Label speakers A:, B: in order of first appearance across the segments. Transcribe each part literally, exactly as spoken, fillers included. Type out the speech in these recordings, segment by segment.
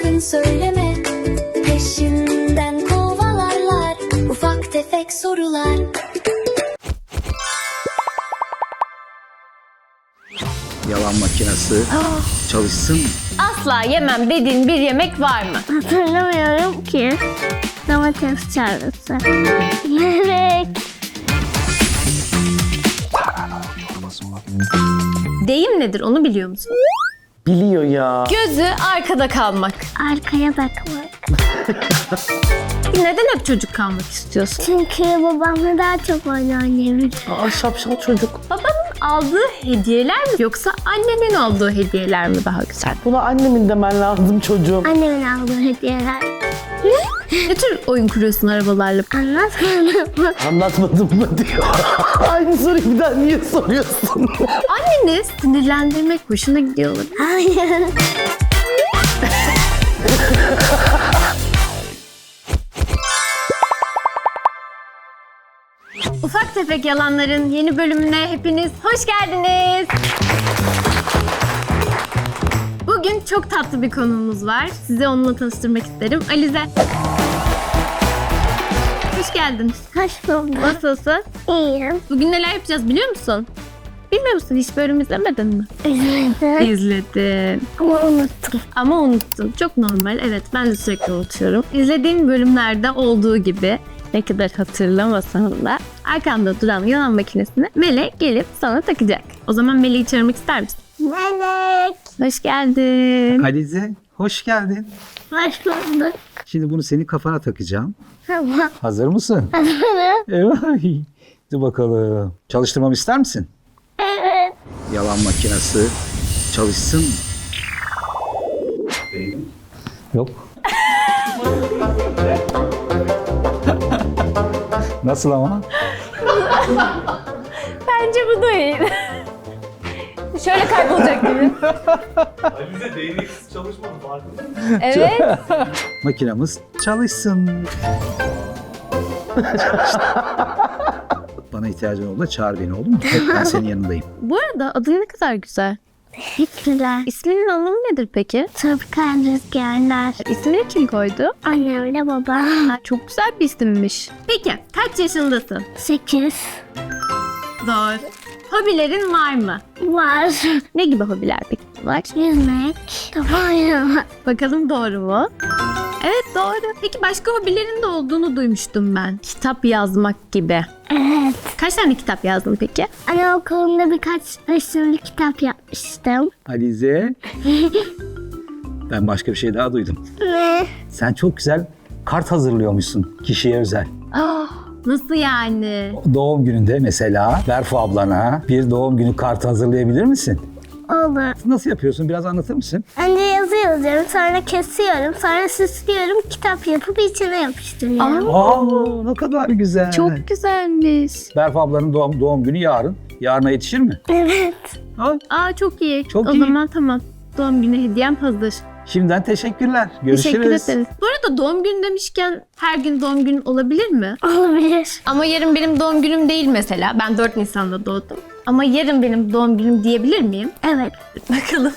A: sakın söyleme. Peşinden kovalarlar ufak tefek sorular.
B: Yalan makinesi çalışsın mı?
C: Asla yemem dediğin bir yemek var mı?
D: Hatırlamıyorum ki. Domates çorbası. Melek.
C: Deyim nedir onu biliyor musun?
E: Biliyor ya.
C: Gözü arkada kalmak.
D: Arkaya bakmak.
C: Neden hep çocuk kalmak istiyorsun?
D: Çünkü babamla daha çok oyun oynayabilirim.
E: Aa, şapşal çocuk.
C: Babanın aldığı hediyeler mi yoksa annenin aldığı hediyeler mi daha güzel?
E: Buna annemin demen lazım çocuğum.
D: Annemin aldığı hediyeler.
C: Ne tür oyun kuruyorsun arabalarla?
D: Anlatmadım mı?
E: Anlatmadım mı diyor. Aynı soruyu bir daha niye soruyorsun?
C: Anneni sinirlendirmek hoşuna gidiyor olabilir.
D: Hayır.
C: Ufak Tefek Yalanların yeni bölümüne hepiniz hoş geldiniz. Bugün çok tatlı bir konuğumuz var. Size onunla tanıştırmak isterim. Alize. Hoş geldin.
D: Hoş bulduk.
C: Nasılsın?
D: İyiyim.
C: Bugün neler yapacağız biliyor musun? Bilmiyor musun? Hiç bölüm izlemedin mi?
D: Üzüldüm.
C: İzledim.
D: Ama unuttum.
C: Ama unuttun. Çok normal. Evet, ben de sürekli unutuyorum. İzlediğim bölümlerde olduğu gibi ne kadar hatırlamasam da arkamda duran yalan makinesini Melek gelip sana takacak. O zaman Melek'i çağırmak ister misin?
D: Melek.
C: Hoş geldin.
B: Alize, hoş geldin.
D: Hoş bulduk.
B: Şimdi bunu senin kafana takacağım.
D: Tamam.
B: Hazır mısın?
D: Hazırım.
B: Evet. Hadi bakalım. Çalıştırmamı ister misin?
D: Evet.
B: Yalan makinesi çalışsın mı? Yok. Nasıl ama?
C: Bence bu da iyi. Şöyle kaybolacak gibi.
F: Alize değneksiz çalışmadı farkında mısın?
C: Evet.
B: Makinamız çalışsın. Bana ihtiyacın olduğunda çağır beni, olur mu? Hep ben senin yanındayım.
C: Bu arada adın ne kadar güzel.
D: Teşekkürler.
C: İsminin anlamı nedir peki?
D: Tropikal rüzgarlar.
C: İsmini kim koydu?
D: Annemle babam.
C: Ha, çok güzel bir isimmiş. Peki kaç yaşındasın?
D: Sekiz.
C: Doğru. Hobilerin var mı?
D: Var.
C: Ne gibi hobiler peki var?
D: Yüzmek. Kafa oynamak.
C: Bakalım doğru mu? Evet doğru. Peki başka hobilerin de olduğunu duymuştum ben. Kitap yazmak gibi.
D: Evet.
C: Kaç tane kitap yazdın peki?
D: Anaokulunda birkaç resimli kitap yapmıştım.
B: Alize. Ben başka bir şey daha duydum.
D: Ne?
B: Sen çok güzel kart hazırlıyormuşsun kişiye özel.
C: Nasıl yani?
B: Doğum gününde mesela Berfu ablana bir doğum günü kartı hazırlayabilir misin?
D: Olur.
B: Nasıl yapıyorsun? Biraz anlatır mısın?
D: Önce yazı yazıyorum, sonra kesiyorum, sonra süslüyorum, kitap yapıp içine yapıştırıyorum.
B: Aa, ne kadar güzel.
C: Çok güzelmiş.
B: Berfu ablanın doğum, doğum günü yarın. Yarına yetişir mi?
D: Evet.
B: Ha,
C: Aa çok iyi.
B: Çok
C: o
B: iyi.
C: zaman tamam. Doğum günü hediyem hazır.
B: Şimdiden teşekkürler. Görüşürüz.
C: Teşekkür ederiz. Bu arada doğum günü demişken her gün doğum günün olabilir mi?
D: Olabilir.
C: Ama yarın benim doğum günüm değil mesela. Ben dört Nisan'da doğdum. Ama yarın benim doğum günüm diyebilir miyim?
D: Evet.
C: Bakalım.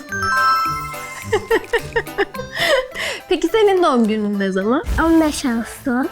C: Peki senin doğum günün ne zaman?
D: on beş Ağustos.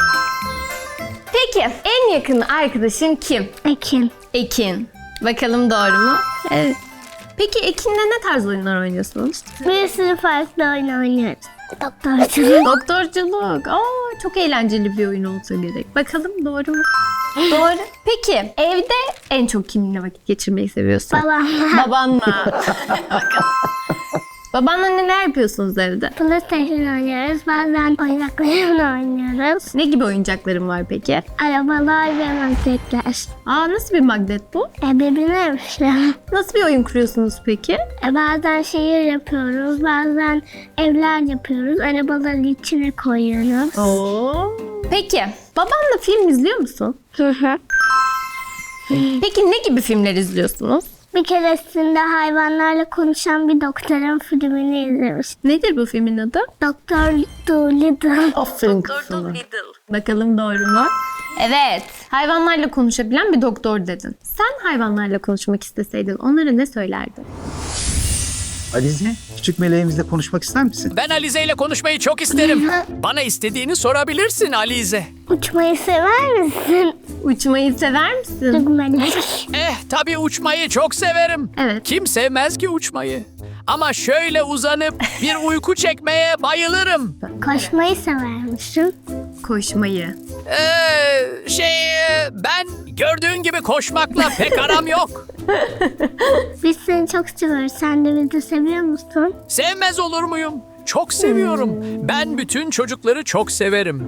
C: Peki en yakın arkadaşın kim?
D: Ekim.
C: Ekin. Bakalım doğru mu? Evet. Peki Ekin'le ne tarz oyunlar oynuyorsunuz?
D: Bir sürü farklı oyun oynuyoruz. Doktorculuk.
C: Doktorculuk. Aa, çok eğlenceli bir oyun olsa gerek. Bakalım doğru mu? Doğru. Peki evde en çok kiminle vakit geçirmeyi seviyorsun?
D: Babamla.
C: Babanla. Bakalım. Babanla neler yapıyorsunuz evde?
D: PlayStation oynuyoruz. Bazen oyuncaklarla oynuyoruz.
C: Ne gibi oyuncakların var peki?
D: Arabalar ve magnetler.
C: Aa nasıl bir magnet bu?
D: E, birbirine yapışıyor.
C: Nasıl bir oyun kuruyorsunuz peki?
D: E, bazen şehir yapıyoruz, bazen evler yapıyoruz. Arabaları içine koyuyoruz.
C: Oo. Peki babanla film izliyor musun?
D: Hı hı.
C: Peki ne gibi filmler izliyorsunuz?
D: Bir keresinde hayvanlarla konuşan bir doktorun filmini izlemiştim.
C: Nedir bu filmin adı?
D: Doktor Dolittle.
E: Aferin kızına.
C: Bakalım doğru mu? Evet. Hayvanlarla konuşabilen bir doktor dedin. Sen hayvanlarla konuşmak isteseydin onlara ne söylerdin?
B: Alize, küçük meleğimizle konuşmak ister misin?
G: Ben Alize ile konuşmayı çok isterim. Bana istediğini sorabilirsin Alize.
D: Uçmayı sever misin?
C: Uçmayı sever misin?
D: Çok melek.
G: Eh tabii uçmayı çok severim.
C: Evet.
G: Kim sevmez ki uçmayı? Ama şöyle uzanıp bir uyku çekmeye bayılırım.
D: Koşmayı sever misin?
C: Koşmayı.
G: Ee, şey e, ben gördüğün gibi koşmakla pek aram yok.
D: Biz seni çok seviyoruz. Sen de bizi seviyor musun?
G: Sevmez olur muyum? Çok seviyorum. Ben bütün çocukları çok severim.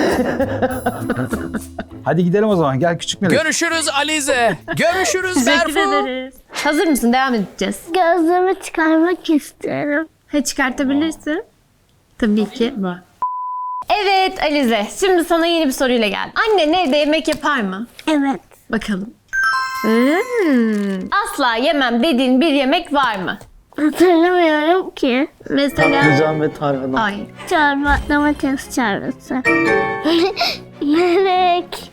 B: Hadi gidelim o zaman. Gel küçük melek.
G: Görüşürüz Alize. Görüşürüz
C: Teşekkür
G: Berfu.
C: ederiz. Hazır mısın? Devam edeceğiz.
D: Gözlüğümü çıkarmak istiyorum.
C: Ha, çıkartabilirsin. Tabii ki. Evet Alize, şimdi sana yeni bir soruyla geldim. Annen evde yemek yapar mı?
D: Evet.
C: Bakalım. Hmm. Asla yemem dediğin bir yemek var mı?
D: Hatırlamıyorum ki.
C: Mesela...
E: Patlıcan ve tarhana.
C: Ay.
D: Çorba, domates çorbası. Melek.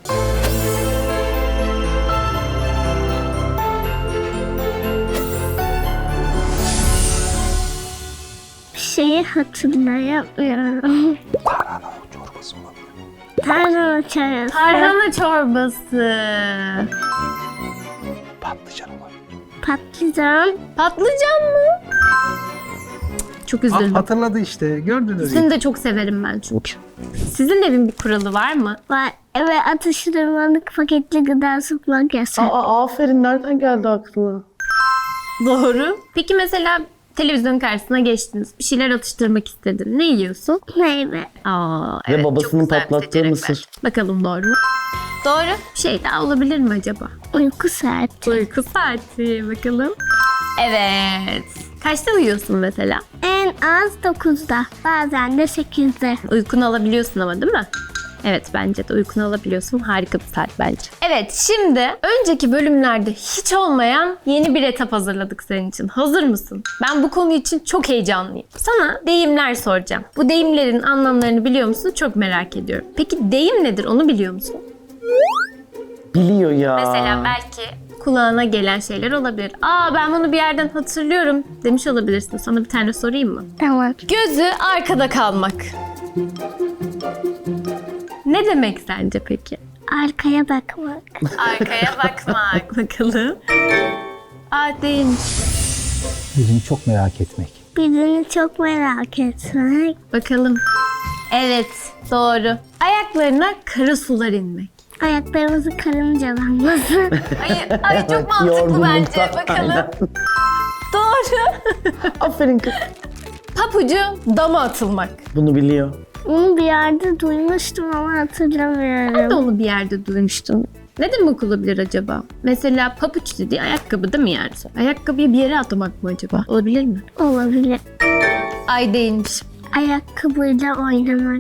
D: Bir şeyi hatırlayamıyorum.
B: Tarhana çorbası olabilir.
D: Tarhana çorbası.
C: Tarhana çorbası.
B: Patlıcan olabilir.
D: Patlıcan.
C: Patlıcan mı? Çok
B: Ah,
C: üzüldüm.
B: hatırladı işte. Gördünüz.
C: Seni de çok severim ben çünkü. Sizin evin bir kuralı var mı?
D: Var. Eve atıştırmalık paketli gıda sokmak yasak.
E: Aa, aferin. Nereden geldi aklına?
C: Doğru. Peki mesela televizyon karşısına geçtiniz. Bir şeyler atıştırmak istedin. Ne yiyorsun?
D: Meyve.
C: Aa,
E: Ve
C: evet,
E: babasının
C: çok güzel bir
E: patlattığı
C: seçenek
E: mısır.
C: var. Bakalım doğru mu? Doğru. Bir şey daha olabilir mi acaba?
D: Uyku saati.
C: Uyku saati. Bakalım. Evet. Kaçta uyuyorsun mesela?
D: En az dokuzda. Bazen de sekizde.
C: Uykunu alabiliyorsun ama değil mi? Evet, bence de uykunu alabiliyorsun. Harika bir saat bence. Evet, şimdi önceki bölümlerde hiç olmayan yeni bir etap hazırladık senin için. Hazır mısın? Ben bu konu için çok heyecanlıyım. Sana deyimler soracağım. Bu deyimlerin anlamlarını biliyor musun? Çok merak ediyorum. Peki deyim nedir? Onu biliyor musun?
E: Biliyor ya.
C: Mesela belki kulağına gelen şeyler olabilir. Aa, ben bunu bir yerden hatırlıyorum demiş olabilirsin. Sana bir tane sorayım mı?
D: Tamam.
C: Gözü arkada kalmak. Ne demek sence peki?
D: Arkaya bakmak.
C: Arkaya bakmak. Bakalım. Aa, değilmiş.
B: Birini çok merak etmek.
D: Birini çok merak etmek.
C: Bakalım. Evet, doğru. Ayaklarına kara sular inmek.
D: Ayaklarımızı karıncalanması.
C: Ay, ay çok mantıklı bence.
E: Yorgunluktan,
C: Bakalım.
E: aynen.
C: Doğru.
E: Aferin kız.
C: Papucu dama atılmak.
E: Bunu biliyor.
D: Onu bir yerde duymuştum ama hatırlamıyorum.
C: Ben de onu bir yerde duymuştum. Ne demek olabilir acaba? Mesela papuç dediği ayakkabı değil mi yani? Ayakkabıyı bir yere atmak mı acaba? Olabilir mi?
D: Olabilir.
C: Ay, değilmiş.
D: Ayakkabıyla oynamak.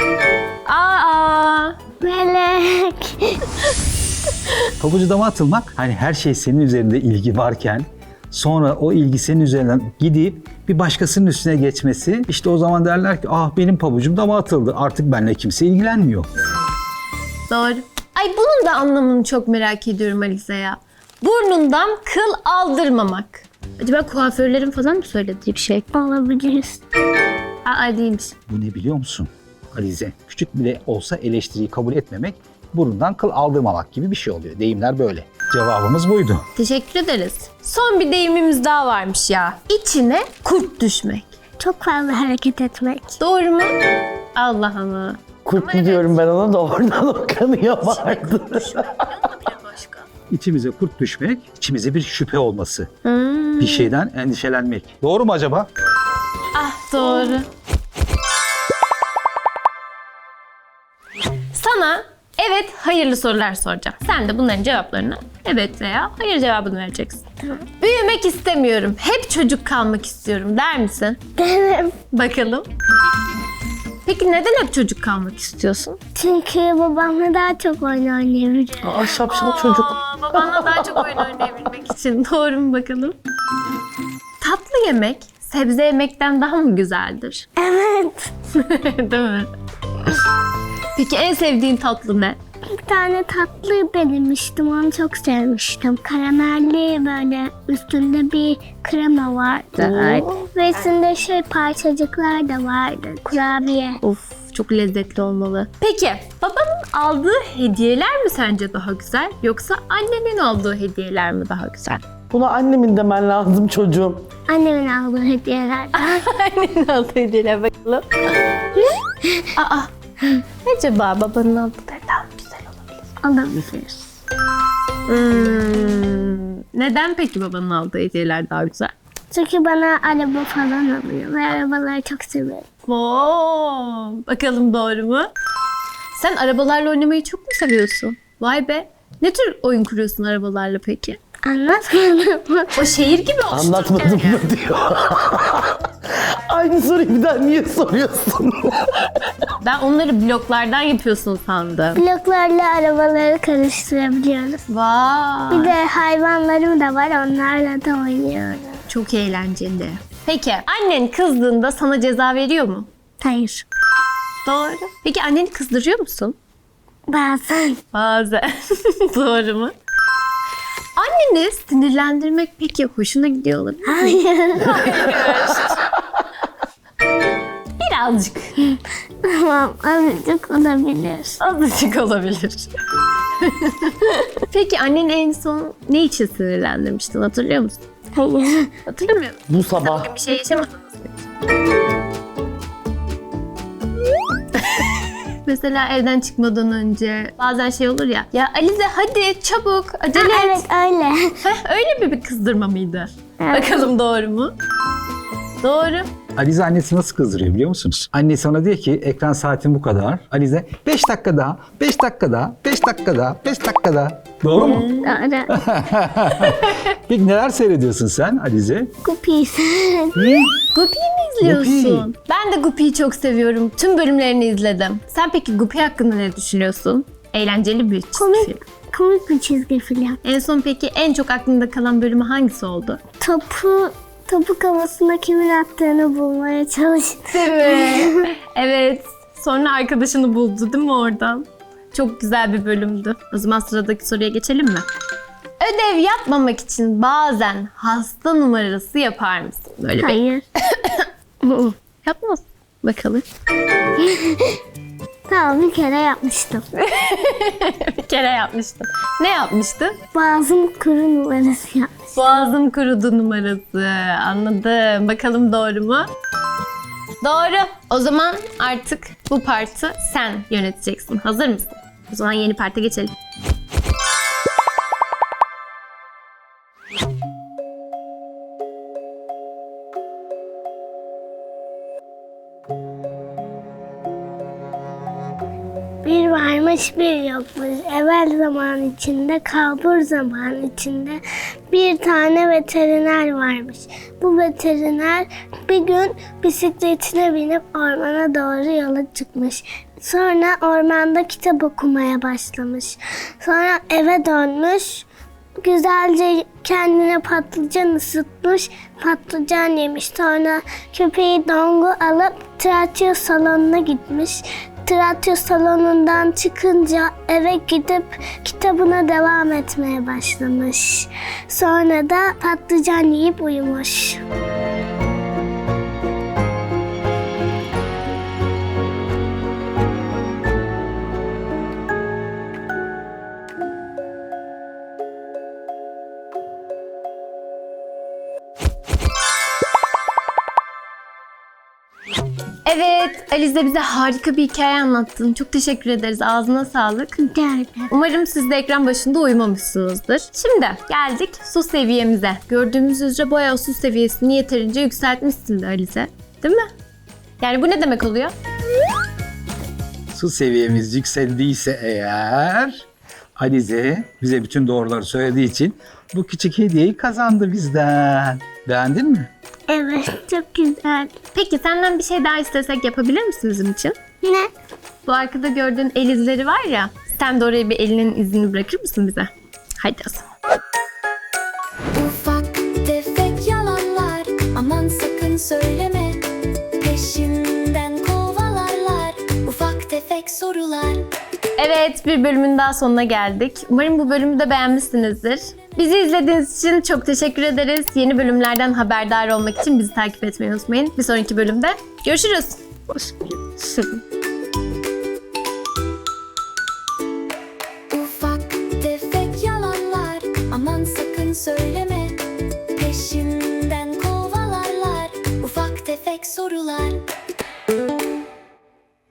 C: Aa,
D: Melek.
B: Pabucu dama atılmak, hani her şey senin üzerinde ilgi varken sonra o ilgi senin üzerinden gidip bir başkasının üstüne geçmesi, işte o zaman derler ki ah benim pabucum dama atıldı, artık benimle kimse ilgilenmiyor.
C: doğru. Ay, bunun da anlamını çok merak ediyorum Alize ya. Burnundan kıl aldırmamak. Acaba kuaförlerin falan mı söylediği bir şey?
D: Olabilir.
C: Aa, değilmiş.
B: Bu ne biliyor musun Alize? Küçük bile olsa eleştiriyi kabul etmemek, burundan kıl aldırmamak gibi bir şey oluyor. Deyimler böyle. Cevabımız buydu.
C: Teşekkür ederiz. Son bir deyimimiz daha varmış ya. İçine kurt düşmek.
D: Çok fazla hareket etmek.
C: Doğru mu? Allah Allah.
E: Kurtlu diyorum ben ona da oradan o kanıya vardı.
C: Başka.
B: İçimize kurt düşmek, içimize bir şüphe olması.
C: Hmm.
B: Bir şeyden endişelenmek. Doğru mu acaba?
C: Ah, doğru. Sana evet hayırlı sorular soracağım. Sen de bunların cevaplarını evet veya hayır cevabını vereceksin. Büyümek istemiyorum. Hep çocuk kalmak istiyorum der misin?
D: Derim.
C: Bakalım. Peki neden hep çocuk kalmak istiyorsun?
D: Çünkü babamla daha çok oyun oynayabilirim.
E: Aa, şapşal çocuk.
C: Aa, babanla daha çok oyun oynayabilmek için. Doğru mu bakalım? Tatlı yemek sebze yemekten daha mı güzeldir?
D: Evet.
C: Değil mi? Peki en sevdiğin tatlı ne?
D: bir tane tatlı denemiştim. Onu çok sevmiştim. Karamelli böyle üstünde bir krema vardı. Ve üstünde şey parçacıklar da vardı. Kurabiye.
C: Of, çok lezzetli olmalı. Peki babanın aldığı hediyeler mi sence daha güzel yoksa annenin aldığı hediyeler mi daha güzel?
E: Buna annemin demen lazım çocuğum.
D: Annemin aldığı hediyelerden.
C: Annenin aldığı hediyeler bakalım. Aa, acaba babanın aldıkları daha mı güzel olabilir?
D: Olabilir.
C: Hmm, neden peki babanın aldığı hediyeler daha güzel?
D: Çünkü bana araba falan alıyor ve arabaları çok seviyorum.
C: Oo, bakalım doğru mu? Sen arabalarla oynamayı çok mu seviyorsun? Vay be. Ne tür oyun kuruyorsun arabalarla peki?
D: Anlatmadım.
C: O şehir gibi olsun.
E: Anlatmadım mı diyor. Aynı soruyu bir daha niye soruyorsun?
C: Ben onları bloklardan yapıyorsun sandım.
D: Bloklarla arabaları karıştırabiliyoruz.
C: Vay.
D: Bir de hayvanlarım da var, onlarla da oynuyorum.
C: Çok eğlenceli. Peki annen kızdığında sana ceza veriyor mu?
D: Hayır.
C: Doğru. Peki anneni kızdırıyor musun?
D: Bazen.
C: Bazen. Doğru mu? Anneni sinirlendirmek peki hoşuna gidiyor olabilir mi?
D: Hayır.
C: Birazcık.
D: Tamam, azıcık olabilir.
C: Azıcık olabilir. Peki annen en son ne için sinirlendirmiştin hatırlıyor musun?
D: Hayır.
C: Hatırlamıyor musun?
E: Bu sabah.
C: Bir şey yaşamadınız mı? Mesela evden çıkmadan önce bazen şey olur ya. Ya Alize hadi çabuk acele et.
D: Evet, öyle.
C: Heh, öyle mi bir kızdırma mıydı?
D: Evet.
C: Bakalım doğru mu? Doğru.
B: Alize annesi nasıl kızdırıyor biliyor musunuz? Annesi ona diyor ki ekran saatin bu kadar. Alize beş dakika daha, beş dakika daha, beş dakika daha, beş dakika daha. Doğru mu?
D: Doğru.
B: Peki neler seyrediyorsun sen Alize?
D: Kupis.
C: Guppy'yi mi izliyorsun? Ben de Guppy'yi çok seviyorum. Tüm bölümlerini izledim. Sen peki Guppy hakkında ne düşünüyorsun? Eğlenceli bir çizgi
D: Komik,
C: film.
D: komik bir çizgi film.
C: En son peki en çok aklında kalan bölümü hangisi oldu?
D: Topu, topu kafasına kimin attığını bulmaya çalıştı.
C: Değil mi? Evet. Sonra arkadaşını buldu değil mi oradan? Çok güzel bir bölümdü. O zaman sıradaki soruya geçelim mi? Ödev yapmamak için bazen hasta numarası yapar mısın? Böyle bir
D: Hayır.
C: yapmaz. Bakalım.
D: Tamam, bir kere yapmıştım.
C: Bir kere yapmıştım. Ne yapmıştın?
D: Boğazım kuru numarası yapmış.
C: Boğazım kurudu numarası. Anladım. Bakalım doğru mu? Doğru. O zaman artık bu partı sen yöneteceksin. Hazır mısın? O zaman yeni parta geçelim.
D: Bir varmış bir yokmuş. Evvel zaman içinde, kalbur zaman içinde bir tane veteriner varmış. Bu veteriner bir gün bisikletine binip ormana doğru yola çıkmış. Sonra ormanda kitap okumaya başlamış. Sonra eve dönmüş. Güzelce kendine patlıcan ısıtmış, patlıcan yemiş. Sonra köpeği Dongu alıp tiyatro salonuna gitmiş. Tiyatro salonundan çıkınca eve gidip kitabına devam etmeye başlamış. Sonra da patlıcan yiyip uyumuş.
C: Evet, Alize bize harika bir hikaye anlattın. Çok teşekkür ederiz. Ağzına sağlık.
D: Rica ederim.
C: Umarım siz de ekran başında uyumamışsınızdır. Şimdi geldik su seviyemize. Gördüğümüz üzere bayağı su seviyesini yeterince yükseltmişsin de Alize. Değil mi? Yani bu ne demek oluyor?
B: Su seviyemiz yükseldiyse eğer Alize bize bütün doğruları söylediği için bu küçük hediyeyi kazandı bizden. Beğendin mi?
D: Evet, çok güzel.
C: Peki senden bir şey daha istesek yapabilir misin bizim için?
D: Ne?
C: Bu arkada gördüğün el izleri var ya. Sen de oraya bir elinin izini bırakır mısın bize? Haydi o zaman.
A: Ufak tefek yalanlar, aman sakın söyleme. Peşinden kovalarlar ufak tefek sorular.
C: Evet, bir bölümün daha sonuna geldik. Umarım bu bölümü de beğenmişsinizdir. Bizi izlediğiniz için çok teşekkür ederiz. Yeni bölümlerden haberdar olmak için bizi takip etmeyi unutmayın. Bir sonraki bölümde görüşürüz.
A: Ufak tefek yalanlar, aman sakın söyleme. Peşinden kovalarlar ufak tefek sorular.